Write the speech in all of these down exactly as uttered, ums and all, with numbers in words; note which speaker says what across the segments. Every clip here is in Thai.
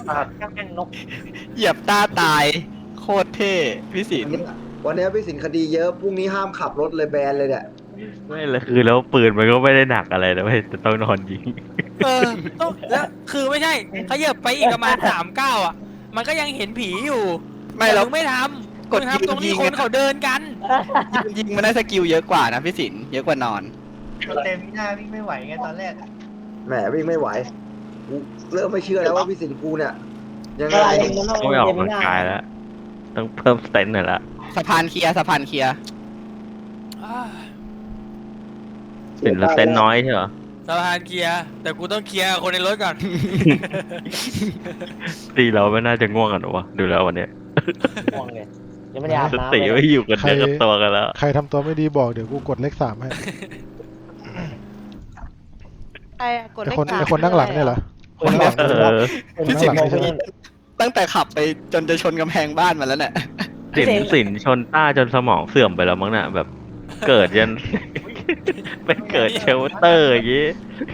Speaker 1: แม่งนก
Speaker 2: เหยียบต้าตายโคตรเท่พี่สิน
Speaker 3: วันนี้วันนี้พี่สินคดีเยอะพรุ่งนี้ห้ามขับรถเลยแบนเลยเนี่ย
Speaker 4: ไม่เลยคือแล้วปืนมันก็ไม่ได้หนักอะไรนะไม่แต่ต้องนอนยิง
Speaker 5: เออต้องแล้วคือไม่ใช่เขาเหยียบไปอีกประมาณสามเก้าอ่ะ มันก็ยังเห็นผีอยู่
Speaker 2: ไม่
Speaker 5: แต่
Speaker 2: แล้ว
Speaker 5: มึงไม่ทำ
Speaker 2: กด
Speaker 5: มึงทำตรงนี้
Speaker 2: ยิง
Speaker 5: คนเขาเดินกัน
Speaker 2: ยิงมันได้สกิลเยอะกว่านะพี่สินเยอะกว่านอน
Speaker 1: เต็มหน้าวิ่งไม่ไหวไงตอนแรก
Speaker 3: แหมวิ่งไม่ไหวกูเริ่มไม่เชื่อแล้วว่าพี่สินกูเนี่ยยังไง
Speaker 4: ต้องไปออกกำลังกายแล้วต้องเพิ่มสเตนหน่อยละ
Speaker 2: สะพานเคลียร์สะพานเคลียร์
Speaker 4: สินสเตนน้อยใช่เหรอ
Speaker 5: สะพานเคลียร์แต่กูต้องเคลียร์คนในรถก่อน
Speaker 4: ตีเราไม่น่าจะง่วงกันหรอวะดูแล้ววันเนี้ย
Speaker 1: ง่วงเลยยังไม่ได้อาบ
Speaker 4: ส
Speaker 1: น้ำ
Speaker 4: ติ
Speaker 1: เลย
Speaker 4: ไม่อยู่กันเนื้อกับตัวกันแล้ว
Speaker 6: ใครทำตัวไม่ดีบอกเดี๋ยวกูกดเลขสามให้
Speaker 7: ใครอะกด
Speaker 6: ไอ
Speaker 7: เลข
Speaker 6: คน
Speaker 7: สาม
Speaker 6: ไอคนนั่งหลังเนี่ยเหรอคนนั่งหลัง
Speaker 4: เอ
Speaker 6: เนี่ย
Speaker 4: อ
Speaker 2: พี่สิน
Speaker 6: ข้างหลังใช่ไหม
Speaker 2: ตั้งแต่ขับไปจนจะชนกำแพงบ้านมาแล้วเนี่ย
Speaker 4: สินสินชนต้าจนสมองเสื่อมไปแล้วมั้งน่ะแบบเกิดยัน ไปเกิดเชลเตอร์อย่างงี้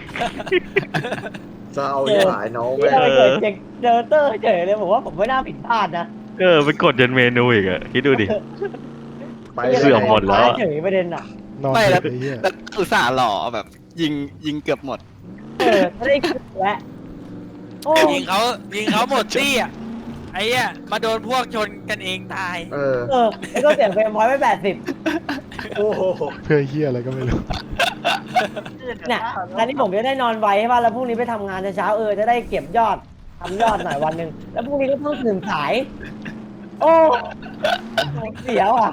Speaker 3: จะเอาที่หายน้อง
Speaker 1: ไม่
Speaker 3: แม่
Speaker 1: ได้เกิดเจเจอเตอร์เฉยเลยผมว่าผมไม่น่าผิดพลาดนะ
Speaker 4: เออไปกดยันเมนูอีกอะคิดดูดิ
Speaker 3: ไป
Speaker 4: เสื่อมหมดแล้วอะ
Speaker 1: เฉยประเด็นอ่ะ
Speaker 6: นอน
Speaker 2: ไม่
Speaker 6: เฉ
Speaker 2: แล้ว
Speaker 6: ยไอ้เหี้ย
Speaker 2: แล้วอุตส่าห์หล่อแบบ ยิงยิงเกือบหมด
Speaker 1: เออไม่ได้คิดแล้วโอ้
Speaker 5: ยิงเขายิงเขาหมดที่อ่ะไอ้เหี้ยมาโดนพวกชนกันเองตาย
Speaker 3: เออ
Speaker 1: เออแล้วก็เสียงเฟรมพอยต์ไปแปดสิบ
Speaker 3: โอ้โห
Speaker 6: เพื่อเหี้ยอะไรก็ไม่รู้
Speaker 1: เนี่ยงานนี้ผมจะได้นอนไวใช่ป่ะแล้วพรุ่งนี้ไปทำงานเช้าๆเออจะได้เก็บยอดทำยอดหน่อยวันหนึ่งแล้วพรุ่งนี้ก็ต้องตื่นสาย โอ้เสียวอ่ะ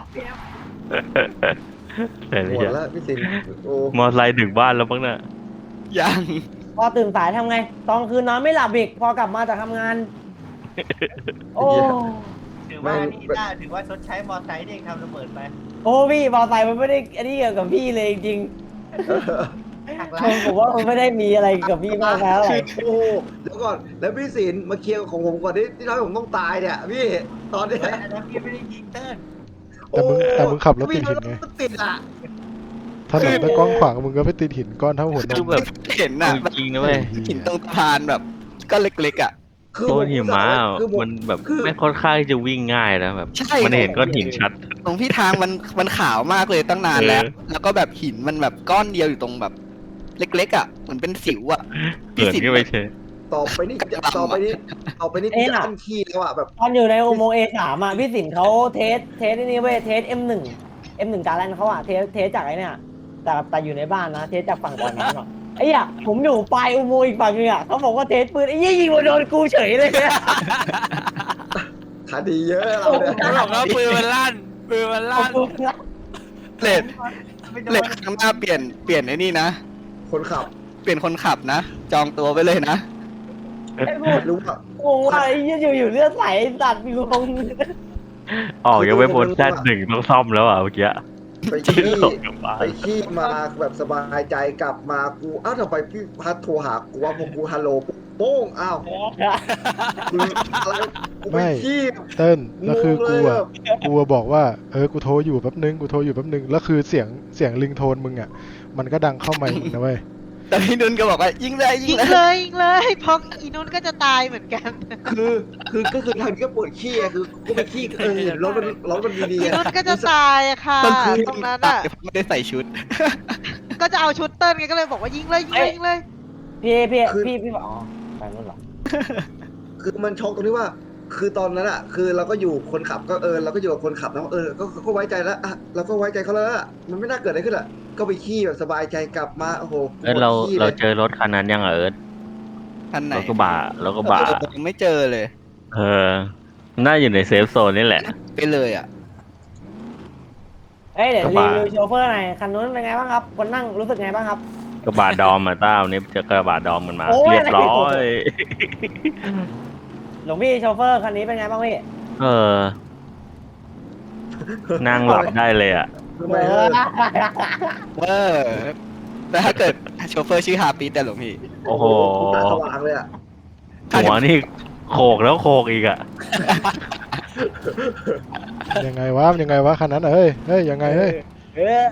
Speaker 4: แต่
Speaker 3: หม
Speaker 4: เนี่ย
Speaker 3: ดแล้วพี่สินโอ้
Speaker 4: มอไซค์ถึงบ้านแล้วมั้งน่ะ
Speaker 2: ยัง
Speaker 1: พอตื่นสายทำไง ตอนคืนนอนไม่หลับอีก พอกลับมาจากทำงาน โอ้
Speaker 8: ถือว่านี่น่าถือว่าชดใช้มอไซค์ที่เองทำระเบิดไป
Speaker 1: โอ้พี่มอไซค์มันไม่ได้อันนี้เกี่ยวกับพี่เลยจริง
Speaker 8: หัก
Speaker 1: ๆ
Speaker 8: ล้า
Speaker 1: ผมผมว่ามันไม่ได้มีอะไรกับพี่มากแล้วอะไร
Speaker 3: โอ้เดี๋ยวก่อนแล้วพี่สินมาเคลียร์ของผมก่อนที่ที่ทำให้ผมต้องตายเนี่ยพี่ตอนเนี้ย
Speaker 8: อันนั้นพี่ไม่ได้ยิงเติ้ล
Speaker 6: แต่มึงแต่มึงขับรถติดหินไง
Speaker 3: รถติดอ่ะ
Speaker 6: ถนนแต่กว้างขวางมึงก็ไปติดหินก้อนเท่าหัวน
Speaker 4: คือ
Speaker 6: ม
Speaker 4: แบบ
Speaker 2: เห็นน่ะ
Speaker 4: จริงๆนะเว้ย
Speaker 2: หินตรงสะพานแบบก็เล็กๆอ่ะ
Speaker 3: คือ
Speaker 4: โค
Speaker 3: ผ
Speaker 4: ตรหิมะ
Speaker 3: คือผ
Speaker 4: มันแบบ
Speaker 3: คือ
Speaker 4: ไม่ค่อนข้างจะวิ่งง่ายนะแบบ
Speaker 2: ใช่
Speaker 4: มันเห็นก้อนหินชัด
Speaker 2: ตรงที่ทางมันมันขาวมากเลยตั้งนานแล้ว
Speaker 4: เออ
Speaker 2: แล้วก็แบบหินมันแบบก้อนเดียวอยู่ตรงแบบ เล็กๆอ่ะเหมือนเป็นสิวอ่ะ
Speaker 4: เกิดขึ้นไปเฉย
Speaker 3: ต่อไปนี่ต่อไปนี่ต่อไปนี่กูจะอั้นขี้แล้วอ่ะแบบ
Speaker 1: ตอนอยู่ในอุโมงค์ เอ สาม อ่ะพี่สินเขาเทสเทสนี่เว้ยเทส เอ็ม หนึ่ง เอ็ม หนึ่ง การแลนเขาอ่ะเทสเทสจากไอ้เนี่ยแต่แต่อยู่ในบ้านนะเทสจากฝั่งก่อนน้ำอ่ะไอ้เหี้ยผมอยู่ปลายอุโมงค์อีกฝั่งนึงอ่ะเขาบอกว่าเทสปืนไอ้ยี่ยิงมาโดนกูเฉยเลยเนี่ย
Speaker 3: คดีเยอะเราเนี่ย
Speaker 5: เขาบอกว่าปืนมันลั่นปืนมันลั่น
Speaker 2: เลด
Speaker 8: ไม่โด
Speaker 2: เลด
Speaker 8: น
Speaker 2: ข้างหน้าเปลี่ยนเปลี่ยนไอ้นี่นะ
Speaker 3: คนขับ
Speaker 2: เปลี่ยนคนขับนะ จองตัวไปเลยนะ
Speaker 1: ไอ้กู
Speaker 3: รู้ว่า
Speaker 1: งงว่าไอ้ยี่อยู่อยู่เลือดไหลตัดมีงง
Speaker 4: ออกยังไม่พ้นแซดหนึ่งต้องซ่อมแล้วอ่ะเมื่อกี้
Speaker 3: ไปขี้
Speaker 4: ตกกลับบ้าน
Speaker 3: ไปขี้มาแบบสบายใจกลับมากูอ้าวทำไมพี่พัดโทรหากูว่าพอกูฮัลโหลปุ๊บโป้งอ้าวกูอะไรกูไปขี้
Speaker 6: เติ้ลแล้วคือกู
Speaker 3: งงเลย
Speaker 6: อ่ะ
Speaker 3: แบบ
Speaker 6: กูอะบอกว่าเออกูโทรอยู่แป๊บนึงกูโทรอยู่แป๊บนึงแล้วคือเสียงเสียงลิงโทนมึงอ่ะมันก็ดังเข้าไมค์มึงนะเว้ย
Speaker 2: แต่พี่นุ่นก็บอกว่ายิงเลยยิ
Speaker 7: ยิ
Speaker 2: ง
Speaker 7: ง
Speaker 2: เลย
Speaker 7: เลยยิงเลยเพราะอีนุ่นก็จะตายเหมือนกัน
Speaker 3: คือคือก็คือทางนี้ก็ปวดขี้อะคือกูไปขี้เออเห็นรถมันรถมันดี
Speaker 7: อี
Speaker 3: ๆอะ
Speaker 7: นุ่นก็จะตายอะค่ะ
Speaker 2: มันคือ
Speaker 7: ตรงนั้นอ่ะ
Speaker 2: ไม่ได้ใส่ชุด
Speaker 7: ก็จะเอาชุดเติ้ลไงก็เลยบอกว่ายิงเลยยิงเลยยิงเลย
Speaker 1: พี่พี่พี่พี่บอกอ๋อไปนู่นเหรอ
Speaker 3: คือมันช็อกตรงที่ว่า คือตอนนั้นอะคือเราก็อยู่คนขับก็เออเราก็อยู่กับคนขับแล้วเออก็ก็ไว้ใจแล้วอะเราก็ไว้ใจเขาแล้วอะมันไม่น่าเกิดอะไรขึ้นอะก็ไปขี้แบบสบายใจกลับมาโอ้โห
Speaker 4: เอิร์ธเรา
Speaker 3: ปวดขี้ลย
Speaker 4: เราเจอรถคันนั้นยังอ่ะเอิร์ธ
Speaker 2: ท่านไหน
Speaker 4: รถกระบะรถกระบะ
Speaker 2: เออยังไม่เจอเลย
Speaker 4: เออน่าอยู่ในเซฟโซนนี่แหละ
Speaker 2: ไปเลยอ่ะ
Speaker 1: เอ้ยเดี๋ยว
Speaker 4: กระ
Speaker 1: รี
Speaker 4: บะ
Speaker 1: วิวโชเฟอร์หน่อยคันนู้นเป็นไงบ้างครับคนนั่งรู้สึกไงบ้างครับ
Speaker 4: กระบะดอมมาต้าวันนี้เจอกระบะดอมมันมา
Speaker 1: โอ้ย
Speaker 4: เรียบร้อย
Speaker 1: หลวงพี่โชเฟอร์คันนี้เป็นไงบ้างพี่
Speaker 4: เออ นั่งหลับได้เลยอ่ะ
Speaker 3: ทำไมเออ
Speaker 2: เออแต่ถ้าเกิดโชเฟอร์ชื่อฮาปีแต่หลวงพี่
Speaker 4: โอ้โห
Speaker 3: ตาสว่างเลยอะ
Speaker 4: หัวนี่โขกแล้วโขกอีกอ่ะ
Speaker 6: ยังไงวะยังไงวะคันนั้นเอ้ยเฮ้ยยังไงเฮ้ย
Speaker 1: เออ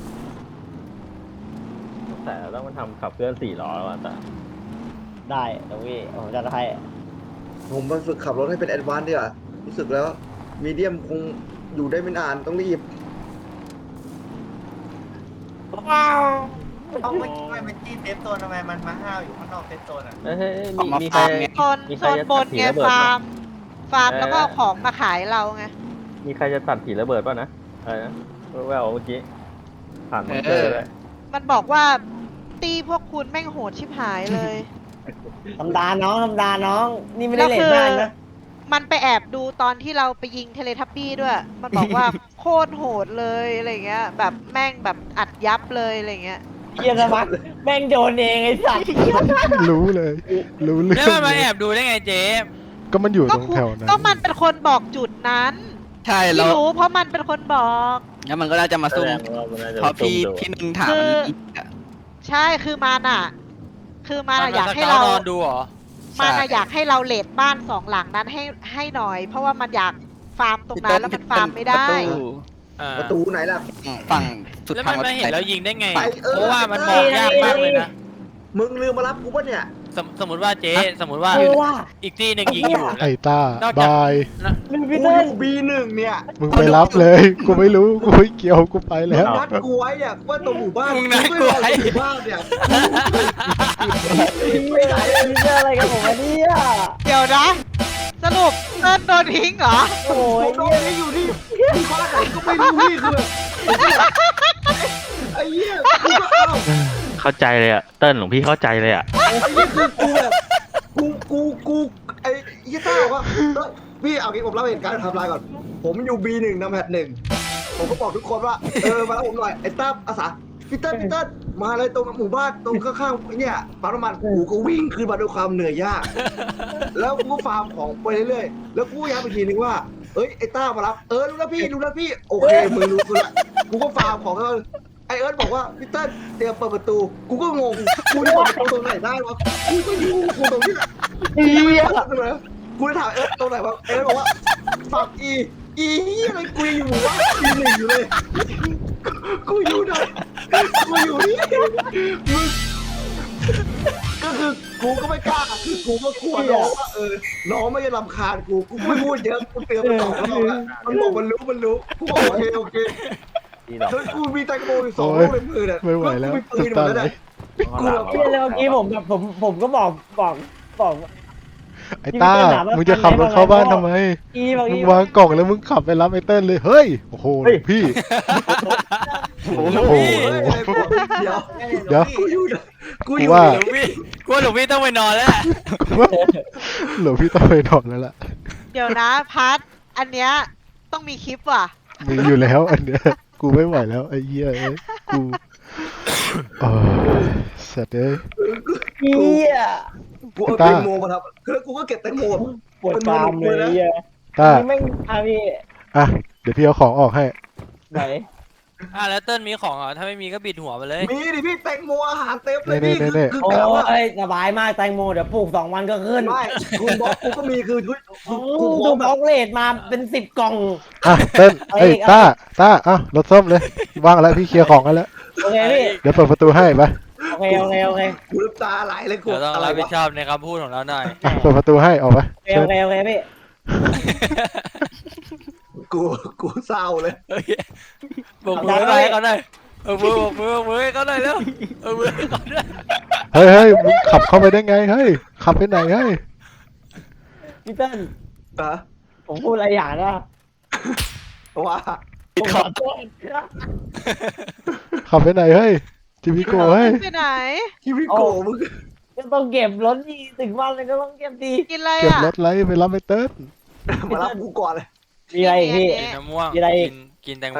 Speaker 4: แต่ต้องมาทำขับเคลื่อนสี่ล้อแล้วอ่ะแต่
Speaker 1: ได้หลวงพี่ผมจะให้
Speaker 3: ผมมาฝึกขับรถให้เป็นแอดวานซ์ดีกว่ารู้สึกแล้วมีเดียมคงอยู่ได้ไม่นานต้องรีบ
Speaker 8: เอาไม่ไม่มันจี้เซฟโซนทำไมมันมาห้าวอยู่ข้างนอกเซฟโซนอ่ะ
Speaker 4: เฮ้ยเฮ้ย
Speaker 2: ออก
Speaker 4: มี
Speaker 2: มา
Speaker 4: มีใคร
Speaker 2: ฟาร์มไง
Speaker 7: โซน
Speaker 4: มี
Speaker 7: โซ
Speaker 4: ใคร
Speaker 7: น
Speaker 4: จะ
Speaker 7: บน
Speaker 4: ถื
Speaker 7: ไง
Speaker 4: อระเบิด
Speaker 7: ฟา
Speaker 4: ปะ
Speaker 7: ร์ม ฟาร์มแล้วก็
Speaker 4: เออ
Speaker 7: เอาของมาขายเราไง
Speaker 4: มีใครจะตัดผีระเบิดป่ะนะอะไรนะแววๆเมื่อกี้ผ่านมอนเตอร์เลย
Speaker 7: มันบอกว่าตีพวกคุณแม่งโหดชิบหายเลย
Speaker 1: ธรรมดาน้องธรรมดาน้อง นี่ไม่ได้เลทบ้านนะ
Speaker 7: มันไปแอบดูตอนที่เราไปยิงเทเลทับบี้ด้วย มันบอกว่า โคตรโหดเลยอะไรเงี้ย แบบแม่งแบบอัดยับเลยอะไรเงี้ย
Speaker 1: เฮียสมัครแม่งโดนเองไอ้สัตว์
Speaker 6: รู้เลย รู้เรื่
Speaker 5: แล้ว
Speaker 6: อง
Speaker 5: มันมา
Speaker 6: เล
Speaker 5: แอย บดูได้ไงเจ๊
Speaker 6: ก็มันอยู่
Speaker 7: ก็
Speaker 6: ตรง
Speaker 7: คุณ
Speaker 6: แถวนั้น
Speaker 7: ก็มันเป็นคนบอกจุดนั้น
Speaker 2: ใช่
Speaker 7: ไม่
Speaker 2: แล้ว
Speaker 7: รู้เพราะมันเป็นคนบอก
Speaker 2: แล้วมันก็น่าจะมาซุ่ม
Speaker 4: แสดงว่ามันน่าจะ
Speaker 2: เพราะพี่
Speaker 4: ซุ่มดู
Speaker 2: พี่นึงถาม
Speaker 7: คือ
Speaker 2: มันอีกอะ
Speaker 7: ใช่คือมันอ่ะ คือมัน
Speaker 5: มั
Speaker 7: อะ
Speaker 5: น
Speaker 7: อยาก
Speaker 5: ส
Speaker 7: ให้
Speaker 5: เกา
Speaker 7: เรา
Speaker 5: นอนดูเหรอ
Speaker 7: มันอะอยากให้เราเลดบ้านสองหลังนั้นให้ให้หน่อย เพราะว่ามันอยากฟาร์มตรงนั้นแล้วมันฟาร์มไม่ได้
Speaker 2: ประตู
Speaker 5: อ่า
Speaker 3: ประตูไหนล่ะ
Speaker 2: ฝั่งสุด
Speaker 5: แล้ว
Speaker 2: ทา
Speaker 5: มั
Speaker 2: ง
Speaker 5: นไม่เห็นแล้วยิงได้ไง
Speaker 3: ไปเออ
Speaker 5: เพราะว่ามันมองยากมากเลยนะ
Speaker 3: มึงลืมมารับกูปะเนี่ย
Speaker 5: สมสมมติว่าเจ๊สมมติว่า
Speaker 1: เออว่า
Speaker 5: อีกที่หนึ่งยิงอยู่
Speaker 6: ไอ้ต้าน
Speaker 5: อกจาก
Speaker 6: บาย
Speaker 1: มึง
Speaker 3: กู
Speaker 1: พี่
Speaker 3: อ
Speaker 1: เติ้ล
Speaker 3: ยู่บีหนึ่งเนี่ย
Speaker 6: มึงไปรับเลย กูไม่รู้ กูไม่เกี่ยว กูไป
Speaker 3: มึ
Speaker 6: แล้
Speaker 3: ง
Speaker 6: ว
Speaker 3: นัดกูไว้เนี่ยว่าตรงหมู่บ้าน
Speaker 5: มึงนัดกูไว้
Speaker 3: ม่รอหมู่บ้านเนี่ยไปไหน
Speaker 1: พี่เติ้ลอะไรกันผมวะเนี่ย
Speaker 7: เดี๋ยวนะ สรุปเติ้ลโดนทิ้งเหรอ
Speaker 1: โอ้
Speaker 3: ผ
Speaker 1: ย
Speaker 3: มโดนนี่อยู่นี่มีข้อไหนก็ไม่รู้พี่คือแบบไอ้เหี้ยกูก็เอ้า
Speaker 4: เข้าใจเลยอะเติ้ลหลวงพี่เข้าใจเลยอะ
Speaker 3: ไอ้เหี้ยคือกูแบบกูกูกูไอ้ยี่ต้าบอกว่าเอ้ยพี่เอางี้ผมเล่าเหตุการณ์ไทม์ไลน์ก่อน ผมอยู่ บี หนึ่งนำแพทหนึ่งผมก็บอกทุกคนว่าเออมาแล้วผมหน่อยไอ้ต้าอาสาพี่เติ้ลพี่เติ้ลมาเลยตรงหมู่บ้านตรงข้างๆเนี่ยปั๊มน้ำมันกูก็วิ่งขึ้นมาด้วยความเหนื่อยยาก แล้วกูก็ฟาร์มของไปเรื่อยๆแล้วกูย้ำอีกทีนึงว่าเอ้ยไอ้ต้ามารับเออรู้แล้วพี่รู้แล้วพี่โอเคมึงรู้กูละกูก็ฟาร์มของแล้วไอเอิร์ธบอกว่าพี่เติ้ลเตรียมเปิดประตูกูก็งงกูจะเปิดประตูตรงไหนได้วะกูก็อยู่กูตรงนี้แหละ
Speaker 1: เฮีย
Speaker 3: กูจะถามเอิร์ธตรงไหนวะเอิร์ธบอกว่าฝั่งอีอีอะไรกูยังอยู่ว่าอีหนึ่งอยู่เลยกูอยู่ไหนกูอยู่นี่มึงก็คือกูก็ไม่กล้าคือกูก็กลัวน้องว่าเออน้องไม่จะรำคาญกูกูไม่พูดเยอะกูเตือนมันสองรอบแล้วมันบอกมันรู้มันรู้กูบอกโอเคโอเค
Speaker 4: ที่ดอก
Speaker 3: แล้วกูมีแตงโมอยู่สองลูกในมือเนี่ย
Speaker 6: ไม่ไหวแล้ว
Speaker 3: กูมีปืนหมดแล้วเนี่ยกูแบบ
Speaker 1: เฮียแล้วเมื่อกี้ผมแบบผมผมก็บอกบอกบอก
Speaker 6: ไอ้ต้า มึงจะขับรถเข้าบ้านทำไม
Speaker 1: อีบอก
Speaker 6: มึ
Speaker 1: อี
Speaker 6: งวางกล่องแล้วมึงขับไปรับไอ้เติ้ลเลย เฮ้ย โอ้โหหลวงพี่ โอ้โห
Speaker 3: เดี๋ยว
Speaker 6: เดี๋ยว
Speaker 3: กูอยู่นะกูอ
Speaker 6: กู
Speaker 3: ยู่
Speaker 6: ว่า
Speaker 5: หลวงพี่กลัวหลวงพี่ต้องไปนอนแล้วแหละ
Speaker 6: กูว่าหลวงพี่ต้องไปนอนแล้วล่ะ
Speaker 7: เดี๋ยวนะพัดอันเนี้ยต้องมีคลิปว่ะ
Speaker 6: มีอยู่แล้วอันเนี้ย กูไม่ไหวแล้วไอ้เหี้ยเอ้ยกูเออสัตว์เอ้ย
Speaker 1: เฮีย
Speaker 3: กูเอาแตงโมมาทำคือกูก็เก็บแตงโมแบบ
Speaker 1: ปวดตามเลยเฮีย
Speaker 6: ต้า
Speaker 1: นี่แม่งอาพี่
Speaker 6: อ่ะ เดี๋ยวพี่เอาของออกให้
Speaker 1: ไหน
Speaker 5: อ่ะแล้วเติ้ลมีของเหรอถ้าไม่มีก็บิดหัวไปเลย
Speaker 3: มีดิพี่แตงโมอาหารเต็มเลย
Speaker 6: เน่
Speaker 3: พี่
Speaker 6: เน่
Speaker 3: คือ
Speaker 6: เน่
Speaker 3: คือ
Speaker 1: โอ้
Speaker 3: แบบว่าย
Speaker 1: สบายมากแตงโมเดี๋ยวปลูกสองวันก็ขึ้น
Speaker 3: ไม่คุณบอกกูก็มีคือกู
Speaker 1: โอ้
Speaker 3: กูพ
Speaker 1: ดู
Speaker 3: ร้อม
Speaker 1: บ
Speaker 3: แบ
Speaker 1: ล็อบ กเลดมาเป็นสิบกล่อง
Speaker 6: อ่ะเติ้ล
Speaker 1: เอา
Speaker 6: เอ้ย
Speaker 1: อีก
Speaker 6: ต้าต้าอ่ะรถส้มเลยว่างแล้วพี่เคลียร์ของกันแล้ว
Speaker 1: โอเคพี่
Speaker 6: เดี๋ยวเปิดประตูให้ไป
Speaker 1: โอเคโอเคโอเค
Speaker 3: กูน้ำตาไหลเลยกู
Speaker 5: เดี๋ยวต้อง
Speaker 3: อะไร
Speaker 5: รับผิด
Speaker 3: วะ
Speaker 5: ชอบในคำพูดของเราหน่อย
Speaker 6: อ่ะเปิดประตูให้ออกไป
Speaker 1: โอเคโอเคโอเคพี่
Speaker 3: กูกูเศร้าเลย
Speaker 5: โอเคบอกมือไปให้เขาหน่อยเอามือบอกมือบอกมือให้เขาหน่อยเร็วเอามือให้เขาหน่อย
Speaker 6: เฮ้ยเฮ้ยมึงขับเข้าไปได้ไงเฮ้ยขับไปไหนเฮ้ย
Speaker 1: พี่เติ้ล
Speaker 3: อะ
Speaker 1: ผมพูดอะไรอย่างนะ
Speaker 3: ว่า
Speaker 1: ผมขอโทษครับ
Speaker 6: ขับไปไหนเฮ้ยจิมิโกเฮ้ย
Speaker 7: ไปไหน
Speaker 3: ชีวิตโกมึง
Speaker 1: ก็ต้องเก็บรถดีถึงวันเลยก็ต้องเก็บดี
Speaker 7: กินอะไร
Speaker 6: เก็บ
Speaker 7: อ่ะ
Speaker 6: รถไล่ไปรับไอ้เติ้ล
Speaker 3: มารับกูก่อนเลย
Speaker 1: มีอะไรอีกพี่
Speaker 7: เนี่ย
Speaker 5: กินน้ำม่วง
Speaker 1: มีอะไรอีก
Speaker 5: กินกินแตงโม